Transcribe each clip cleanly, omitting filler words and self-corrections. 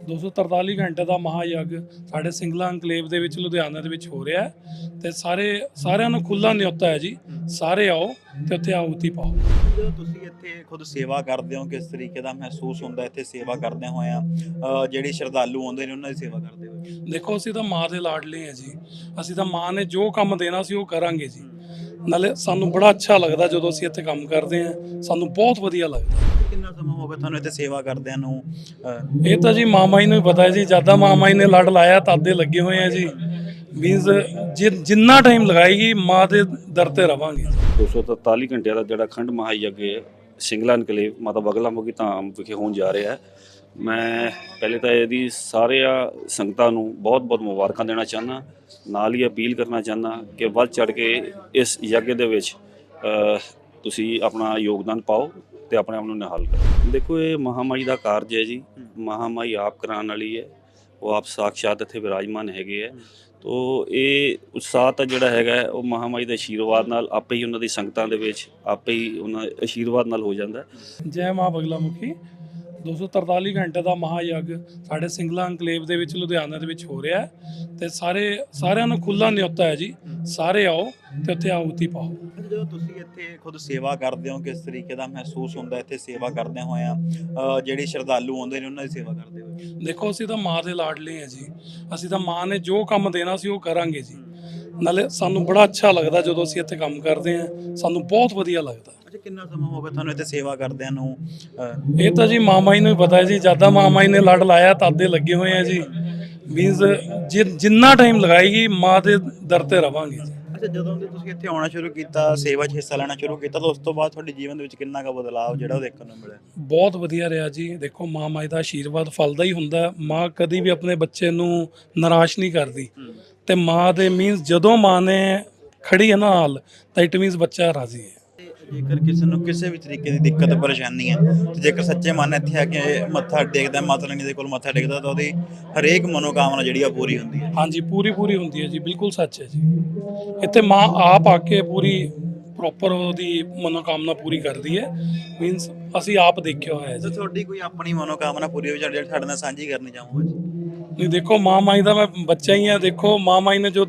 243 ਘੰਟੇ ਦਾ ਮਹਾਯੱਗ ਸਾਡੇ ਸਿੰਗਲਾ ਅੰਕਲੇਵ ਦੇ ਵਿੱਚ ਲੁਧਿਆਣਾ ਦੇ ਵਿੱਚ ਹੋ ਰਿਹਾ ਹੈ ਤੇ ਸਾਰਿਆਂ ਨੂੰ ਖੁੱਲਾ ਨਿਯੋਤਾ ਹੈ ਜੀ। ਸਾਰੇ ਆਓ ਤੇ ਉੱਥੇ ਆਹੂਤੀ ਪਾਓ। ਜਦੋਂ ਤੁਸੀਂ ਇੱਥੇ ਖੁਦ ਸੇਵਾ ਕਰਦੇ ਹੋ, ਕਿਸ ਤਰੀਕੇ ਦਾ ਮਹਿਸੂਸ ਹੁੰਦਾ ਇੱਥੇ ਸੇਵਾ ਕਰਦੇ ਹੋਇਆ? ਜਿਹੜੇ ਸ਼ਰਧਾਲੂ ਆਉਂਦੇ ਨੇ ਉਹਨਾਂ ਦੀ ਸੇਵਾ ਕਰਦੇ ਹੋਏ? ਦੇਖੋ, ਅਸੀਂ ਤਾਂ ਮਾਂ ਦੇ ਲਾਡਲੇ ਹਾਂ ਜੀ। ਅਸੀਂ ਤਾਂ ਮਾਂ ਨੇ ਜੋ ਕੰਮ ਦੇਣਾ ਸੀ ਉਹ ਕਰਾਂਗੇ ਜੀ। ਨਾਲੇ ਸਾਨੂੰ ਬੜਾ ਅੱਛਾ ਲੱਗਦਾ ਜਦੋਂ ਅਸੀਂ ਇੱਥੇ ਕੰਮ ਕਰਦੇ ਹਾਂ, ਸਾਨੂੰ ਬਹੁਤ ਵਧੀਆ ਲੱਗਦਾ। ਕਿੰਨਾ ਸਮਾਂ ਹੋ ਗਿਆ ਤੁਹਾਨੂੰ ਇੱਥੇ ਸੇਵਾ ਕਰਦਿਆਂ ਨੂੰ? ਇਹ ਤਾਂ ਜੀ ਮਾਮਾ ਜੀ ਨੂੰ ਹੀ ਪਤਾ ਹੈ ਜੀ। ਜਿਆਦਾ ਮਾਮਾ ਜੀ ਨੇ ਲੜ ਲਾਇਆ ਤਾਦੇ ਲੱਗੇ ਹੋਏ ਆ ਜੀ। ਮੀਨਸ ਜਿੰਨਾ ਟਾਈਮ ਲਗਾਏਗੀ ਮਾਂ ਦੇ ਦਰ ਤੇ ਰਵਾਂਗੇ। 243 ਘੰਟਿਆਂ ਦਾ ਜਿਹੜਾ ਅਖੰਡ ਮਹਾਯੱਗ ਸਿੰਗਲਾ ਇਨਕਲੇਵ ਮਾਤਾ ਬਗਲਾ ਮੁਖੀ ਧਾਮ ਵਿਖੇ ਹੋਣ ਜਾ ਰਿਹਾ ਹੈ। ਮੈਂ ਪਹਿਲੇ ਤਾਂ ਇਹਦੀ ਸਾਰਿਆਂ ਸੰਗਤਾਂ ਨੂੰ ਬਹੁਤ-ਬਹੁਤ ਮੁਬਾਰਕਾਂ ਦੇਣਾ ਚਾਹੁੰਦਾ। ਨਾਲ ਹੀ ਅਪੀਲ ਕਰਨਾ ਚਾਹੁੰਦਾ ਕਿ ਵੱਧ ਚੜ੍ਹ ਕੇ ਇਸ ਯੱਗ ਦੇ ਵਿੱਚ ਤੁਸੀਂ ਆਪਣਾ ਯੋਗਦਾਨ ਪਾਓ ਤੇ ਆਪਣੇ ਆਪ ਨੂੰ ਨਿਹਾਲ ਕਰੋ। ਦੇਖੋ, ਇਹ ਮਹਾਮਾਈ ਦਾ ਕਾਰਜ ਹੈ ਜੀ। ਮਹਾਮਾਈ ਆਪ ਕਰਾਉਣ ਵਾਲੀ ਹੈ। ਉਹ ਆਪ ਸਾਖਸ਼ਾਤ ਇੱਥੇ ਵਿਰਾਜਮਾਨ ਹੈਗੇ ਹੈ। ਤੋ ਇਹ ਉਤਸ਼ਾਹ ਤਾਂ ਜਿਹੜਾ ਹੈਗਾ ਉਹ ਮਹਾਮਾਈ ਦੇ ਆਸ਼ੀਰਵਾਦ ਨਾਲ ਆਪੇ ਹੀ ਉਹਨਾਂ ਦੀ ਸੰਗਤਾਂ ਦੇ ਵਿੱਚ ਆਪੇ ਹੀ ਉਹਨਾਂ ਆਸ਼ੀਰਵਾਦ ਨਾਲ ਹੋ ਜਾਂਦਾ। ਜੈ ਮਾਂ ਬਗਲਾ ਮੁਖੀ। 243 ਘੰਟੇ ਦਾ ਮਹਾਯੱਗ ਸਾਡੇ ਸਿੰਗਲਾ ਅੰਕਲੇਵ ਦੇ ਵਿੱਚ ਲੁਧਿਆਣਾ ਦੇ ਵਿੱਚ ਹੋ ਰਿਹਾ ਹੈ ਤੇ ਸਾਰਿਆਂ ਨੂੰ ਖੁੱਲਾ ਨਿਯੋਤਾ ਹੈ ਜੀ। ਸਾਰੇ ਆਓ ਤੇ ਉੱਥੇ ਆਹੂਤੀ ਪਾਓ। ਜਦੋਂ ਤੁਸੀਂ ਇੱਥੇ ਖੁਦ ਸੇਵਾ ਕਰਦੇ ਹੋ, ਕਿਸ ਤਰੀਕੇ ਦਾ ਮਹਿਸੂਸ ਹੁੰਦਾ ਇੱਥੇ ਸੇਵਾ ਕਰਦੇ ਹੋਇਆ? ਜਿਹੜੇ ਸ਼ਰਧਾਲੂ ਆਉਂਦੇ ਨੇ ਉਹਨਾਂ ਦੀ ਸੇਵਾ ਕਰਦੇ ਹੋਏ? ਦੇਖੋ, ਅਸੀਂ ਤਾਂ ਮਾਂ ਦੇ ਲਾਡਲੇ ਹਾਂ ਜੀ। ਅਸੀਂ ਤਾਂ ਮਾਂ ਨੇ ਜੋ ਕੰਮ ਦੇਣਾ ਸੀ ਉਹ ਕਰਾਂਗੇ ਜੀ। ਨਾਲੇ ਸਾਨੂੰ ਬੜਾ ਅੱਛਾ ਲੱਗਦਾ ਜਦੋਂ ਅਸੀਂ ਇੱਥੇ ਕੰਮ ਕਰਦੇ ਹਾਂ, ਸਾਨੂੰ ਬਹੁਤ ਵਧੀਆ ਲੱਗਦਾ। ਅੱਛਾ, ਕਿੰਨਾ ਸਮਾਂ ਹੋ ਗਿਆ ਤੁਹਾਨੂੰ ਇੱਥੇ ਸੇਵਾ ਕਰਦਿਆਂ ਨੂੰ? ਇਹ ਤਾਂ ਜੀ ਮਾਮਾ ਜੀ ਨੂੰ ਹੀ ਪਤਾ ਹੈ ਜੀ। ਜਿਆਦਾ ਮਾਮਾ ਜੀ ਨੇ ਲੜ ਲਾਇਆ ਤਾਦੇ ਲੱਗੇ ਹੋਏ ਆ ਜੀ। ਮੀਨਸ ਜਿੰਨਾ ਟਾਈਮ ਲਗਾਏਗੀ ਮਾਂ ਦੇ ਦਰ ਤੇ ਰਵਾਂਗੇ ਜੀ। ਅੱਛਾ, ਜਦੋਂ ਦੇ ਤੁਸੀਂ ਇੱਥੇ ਆਉਣਾ ਸ਼ੁਰੂ ਕੀਤਾ, ਸੇਵਾ 'ਚ ਹਿੱਸਾ ਲੈਣਾ ਸ਼ੁਰੂ ਕੀਤਾ, ਤਾਂ ਉਸ ਤੋਂ ਬਾਅਦ ਤੁਹਾਡੇ ਜੀਵਨ ਦੇ ਵਿੱਚ ਕਿੰਨਾ ਕੁ ਬਦਲਾਅ ਜਿਹੜਾ ਉਹ ਦੇਖਣ ਨੂੰ ਮਿਲਿਆ? ਬਹੁਤ ਵਧੀਆ ਰਿਹਾ ਜੀ। ਦੇਖੋ, ਮਾਂ ਮਾਈ ਦਾ ਆਸ਼ੀਰਵਾਦ ਫਲਦਾ ਹੀ ਹੁੰਦਾ। ਮਾਂ ਕਦੀ ਵੀ ਆਪਣੇ ਬੱਚੇ ਨੂੰ ਨਿਰਾਸ਼ ਨਹੀਂ ਕਰਦੀ ਤੇ ਮਾਂ ਦੇ ਮੀਨਸ ਜਦੋਂ ਮਾਂ ਨੇ ਖੜੀ ਹੈ ਨਾ ਹਾਲ, ਤਾਂ ਇਟ ਮੀਨਸ ਬੱਚਾ ਰਾਜ਼ੀ ਹੈ। ਜੇਕਰ ਕਿਸੇ ਨੂੰ ਕਿਸੇ ਵੀ ਤਰੀਕੇ ਦੀ ਦਿੱਕਤ ਪਰੇਸ਼ਾਨੀ ਹੈ ਤੇ ਜੇਕਰ ਸੱਚੇ ਮਨ ਇੱਥੇ ਆ ਕੇ ਮੱਥਾ ਟੇਕਦਾ, ਮਾਤਾ ਰਾਣੀ ਦੇ ਕੋਲ ਮੱਥਾ ਟੇਕਦਾ, ਤਾਂ ਉਹਦੀ ਹਰੇਕ ਮਨੋਕਾਮਨਾ ਜਿਹੜੀ ਆ ਪੂਰੀ ਹੁੰਦੀ ਹੈ। ਹਾਂਜੀ, ਪੂਰੀ ਹੁੰਦੀ ਹੈ ਜੀ। ਬਿਲਕੁਲ ਸੱਚ ਹੈ ਜੀ। ਇੱਥੇ ਮਾਂ ਆਪ ਆ ਕੇ ਪੂਰੀ ਪ੍ਰੋਪਰ ਉਹਦੀ ਮਨੋਕਾਮਨਾ ਪੂਰੀ ਕਰਦੀ ਹੈ। ਮੀਨਸ ਅਸੀਂ ਆਪ ਦੇਖਿਆ ਹੋਇਆ ਹੈ ਤੇ ਜੀ। ਤੁਹਾਡੀ ਕੋਈ ਆਪਣੀ ਮਨੋਕਾਮਨਾ ਪੂਰੀ ਹੋਈ ਜਿਹੜੀ ਸਾਡੇ ਨਾਲ ਸਾਂਝੀ ਕਰਨੀ ਚਾਹੂੰਗਾ ਜੀ? ਨਹੀਂ, ਦੇਖੋ, ਮਾਂ ਮਾਈ ਦਾ ਮੈਂ ਬੱਚਾ ਹੀ ਹਾਂ। ਦੇਖੋ, ਮਾਂ ਮਾਈ ਨੇ ਜੋ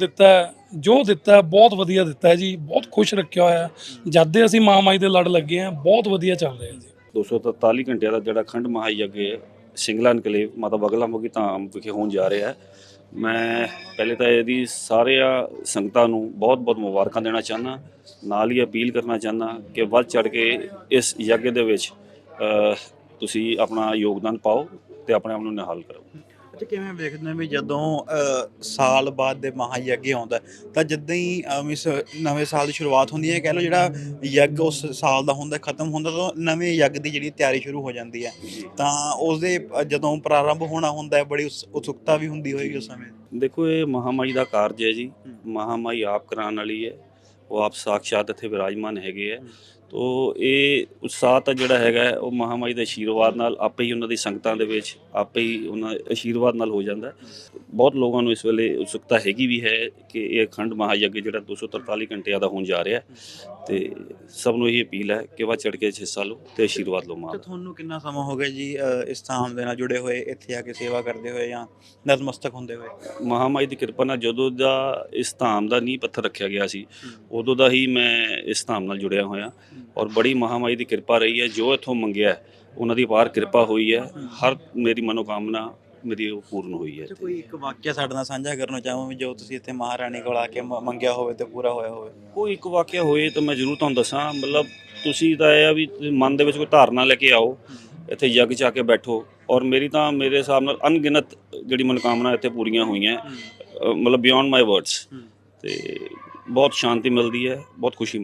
ਦਿੱਤਾ ਹੈ ਬਹੁਤ ਵਧੀਆ ਦਿੱਤਾ ਹੈ ਜੀ। ਬਹੁਤ ਖੁਸ਼ ਰੱਖਿਆ ਹੋਇਆ ਹੈ। ਜਦ ਦੇ ਅਸੀਂ ਮਾਂ ਮਾਈ ਦੇ ਲੜ ਲੱਗੇ ਹਾਂ, ਬਹੁਤ ਵਧੀਆ ਚੱਲ ਰਿਹਾ ਜੀ। 243 ਘੰਟਿਆਂ ਦਾ ਜਿਹੜਾ ਅਖੰਡ ਮਹਾਯੱਗ ਸਿੰਗਲਾ ਇਨਕਲੇਵ ਮਾਤਾ ਬਗਲਾ ਮੁਖੀ ਧਾਮ ਵਿਖੇ ਹੋਣ ਜਾ ਰਿਹਾ ਹੈ। ਮੈਂ ਪਹਿਲੇ ਤਾਂ ਇਹਦੀ ਸਾਰਿਆਂ ਸੰਗਤਾਂ ਨੂੰ ਬਹੁਤ-ਬਹੁਤ ਮੁਬਾਰਕਾਂ ਦੇਣਾ ਚਾਹੁੰਦਾ। ਨਾਲ ਹੀ ਅਪੀਲ ਕਰਨਾ ਚਾਹੁੰਦਾ ਕਿ ਵੱਧ ਚੜ੍ਹ ਕੇ ਇਸ ਯੱਗ ਦੇ ਵਿੱਚ ਤੁਸੀਂ ਆਪਣਾ ਯੋਗਦਾਨ ਪਾਓ ਤੇ ਆਪਣੇ ਆਪ ਨੂੰ ਨਿਹਾਲ ਕਰੋ। ਅੱਛਾ, ਕਿਵੇਂ ਵੇਖਦੇ ਵੀ ਜਦੋਂ ਸਾਲ ਬਾਅਦ ਦੇ ਮਹਾਯੱਗ ਆਉਂਦਾ, ਤਾਂ ਜਿੱਦਾਂ ਹੀ ਨਵੇਂ ਸਾਲ ਦੀ ਸ਼ੁਰੂਆਤ ਹੁੰਦੀ ਹੈ, ਕਹਿ ਲਓ ਜਿਹੜਾ ਯੱਗ ਉਸ ਸਾਲ ਦਾ ਹੁੰਦਾ ਖਤਮ ਹੁੰਦਾ, ਤਾਂ ਨਵੇਂ ਯੱਗ ਦੀ ਜਿਹੜੀ ਤਿਆਰੀ ਸ਼ੁਰੂ ਹੋ ਜਾਂਦੀ ਹੈ। ਤਾਂ ਉਸਦੇ ਜਦੋਂ ਪ੍ਰਾਰੰਭ ਹੋਣਾ ਹੁੰਦਾ, ਬੜੀ ਉਤਸੁਕਤਾ ਵੀ ਹੁੰਦੀ ਹੋਏਗੀ ਉਸ ਸਮੇਂ? ਦੇਖੋ, ਇਹ ਮਹਾਮਾਈ ਦਾ ਕਾਰਜ ਹੈ ਜੀ। ਮਹਾਮਾਈ ਆਪ ਕਰਾਉਣ ਵਾਲੀ ਹੈ। ਉਹ ਆਪ ਸਾਖਸ਼ਾਤ ਇੱਥੇ ਵਿਰਾਜਮਾਨ ਹੈਗੇ ਹੈ। ਤੋ ਇਹ ਉਤਸ਼ਾਹ ਤਾਂ ਜਿਹੜਾ ਹੈਗਾ ਉਹ ਮਹਾਮਾਈ ਦੇ ਆਸ਼ੀਰਵਾਦ ਨਾਲ ਆਪੇ ਹੀ ਉਹਨਾਂ ਦੀ ਸੰਗਤਾਂ ਦੇ ਵਿੱਚ ਆਪੇ ਹੀ ਉਹਨਾਂ ਆਸ਼ੀਰਵਾਦ ਨਾਲ ਹੋ ਜਾਂਦਾ। ਬਹੁਤ ਲੋਕਾਂ ਨੂੰ ਇਸ ਵੇਲੇ ਉਤਸੁਕਤਾ ਹੈਗੀ ਵੀ ਹੈ ਕਿ ਇਹ ਅਖੰਡ ਮਹਾਯੱਗ ਜਿਹੜਾ 243 ਘੰਟਿਆਂ ਦਾ ਹੋਣ ਜਾ ਰਿਹਾ ਤੇ ਸਭ ਨੂੰ ਇਹ ਅਪੀਲ ਹੈ ਕਿ ਵੱਧ ਚੜ੍ਹ ਕੇ ਹਿੱਸਾ ਲਓ ਤੇ ਆਸ਼ੀਰਵਾਦ ਲਓ ਮਾਂ ਦਾ। ਤੁਹਾਨੂੰ ਕਿੰਨਾ ਸਮਾਂ ਹੋ ਗਿਆ ਜੀ ਇਸ ਧਾਮ ਦੇ ਨਾਲ ਜੁੜੇ ਹੋਏ, ਇੱਥੇ ਆ ਕੇ ਸੇਵਾ ਕਰਦੇ ਹੋਏ ਜਾਂ ਨਤਮਸਤਕ ਹੁੰਦੇ ਹੋਏ? ਮਹਾਮਾਈ ਦੀ ਕਿਰਪਾ ਨਾਲ ਜਦੋਂ ਦਾ ਇਸ ਧਾਮ ਦਾ ਨੀਂਹ ਪੱਥਰ ਰੱਖਿਆ ਗਿਆ ਸੀ, ਉਦੋਂ ਦਾ ਹੀ ਮੈਂ ਇਸ ਧਾਮ ਨਾਲ ਜੁੜਿਆ ਹੋਇਆ ਔਰ ਬੜੀ ਮਹਾਮਾਈ ਦੀ ਕਿਰਪਾ ਰਹੀ ਹੈ। ਜੋ ਇੱਥੋਂ ਮੰਗਿਆ ਉਹਨਾਂ ਦੀ ਅਪਾਰ ਕਿਰਪਾ ਹੋਈ ਹੈ। ਹਰ ਮੇਰੀ ਮਨੋਕਾਮਨਾ ਮੇਰੀ ਉਹ ਪੂਰਨ ਹੋਈ ਹੈ। ਕੋਈ ਇੱਕ ਵਾਕਿਆ ਸਾਡੇ ਨਾਲ ਸਾਂਝਾ ਕਰਨਾ ਚਾਹੋ ਵੀ ਜੋ ਤੁਸੀਂ ਇੱਥੇ ਮਹਾਰਾਣੀ ਕੋਲ ਆ ਕੇ ਮੰਗਿਆ ਹੋਵੇ ਤੇ ਪੂਰਾ ਹੋਇਆ ਹੋਵੇ? ਕੋਈ ਇੱਕ ਵਾਕਿਆ ਹੋਏ ਤਾਂ ਮੈਂ ਜ਼ਰੂਰ ਤੁਹਾਨੂੰ ਦੱਸਾਂ। ਮਤਲਬ ਤੁਸੀਂ ਤਾਂ ਇਹ ਆ ਵੀ ਮਨ ਦੇ ਵਿੱਚ ਕੋਈ ਧਾਰਨਾ ਲੈ ਕੇ ਆਓ, ਇੱਥੇ ਯੱਗ 'ਚ ਆ ਕੇ ਬੈਠੋ। ਔਰ ਮੇਰੀ ਤਾਂ ਮੇਰੇ ਹਿਸਾਬ ਨਾਲ ਅਣਗਿਣਤ ਜਿਹੜੀ ਮਨੋਕਾਮਨਾ ਇੱਥੇ ਪੂਰੀਆਂ ਹੋਈਆਂ, ਮਤਲਬ ਬਿਯੋਂਡ ਮਾਈ ਵਰਡਸ। ਤੇ ਬਹੁਤ ਸ਼ਾਂਤੀ ਮਿਲਦੀ ਹੈ, ਬਹੁਤ ਖੁਸ਼ੀ